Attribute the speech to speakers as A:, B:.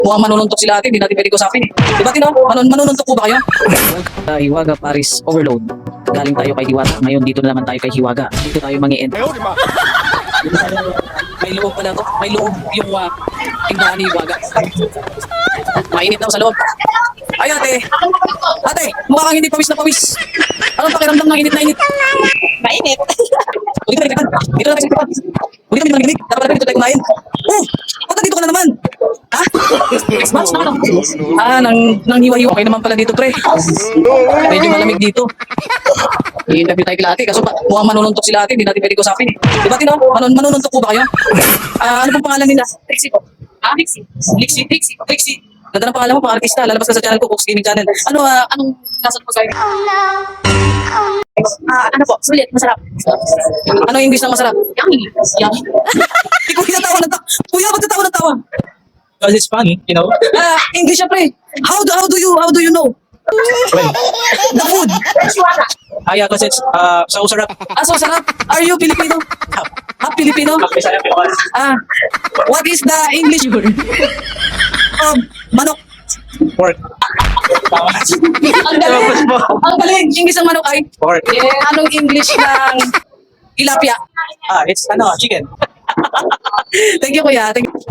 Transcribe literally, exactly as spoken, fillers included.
A: mukhang manununtok sila ate, hindi natin pwede kusapin eh. Diba Tino? Manun manununtok po ba kayo? Uh, Hiwaga Paris Overload. Galing tayo kay Diwata. Ngayon dito na naman tayo kay Hiwaga. Dito tayo mangi-end. May loob pala to. May loob yung uh, tindahan ni Hiwaga. Mainit daw sa loob. Ay ate! Ate! Mukha kang hindi pawis na pawis. Anong pakiramdam ng init na init?
B: Mainit.
A: Dito na nagtipan. Dito na nagtipan. Dito kami nanginig. Dapat pala dito tayo kumain. Oh! Ba't nandito ka na naman? Ha? Next match na ano? Ah, nang, nang hiwa-hiwa. Okay naman pala dito pre. Medyo malamig dito. I-interview tayo kila ate. Kaso pa, mukhang manununtok sila ate. Hindi natin pwede kusapin eh. Diba Tino? Manun manununtok po ba kayo? Ah, ano pong pangalan nila? Trixie po. Ah, Trixie. Trixie, Trixie, Trixie. Ganda ng pangalan mo, pang artista. Lalabas ka sa channel ko, Cooks Gaming Channel. Ano, ah, anong nasa po sa'yo?
B: Ah, ano po? Sulit, masarap.
A: Ano yung English ng masarap?
B: Yummy. Yummy.
A: Hindi ko tinatawa ng tawa. Kuya, ba't natawa ng tawa?
C: Because it's funny, you know.
A: Ah, English siya pre. How do, how do you, how do you know?
C: Well,
A: The food.
C: ah, yeah, because it's uh, so sarap.
A: Ah, so sarap. Are you Filipino? Ah, Filipino?
C: Bisaya Pilipinas.
A: Ah, what is the English word? Um, manok.
C: Pork.
A: Ang galing. Ang galing. English ng manok ay?
C: Pork.
A: Anong English ng tilapia?
C: Ah, it's ano, chicken.
A: Thank you, kuya. Thank you.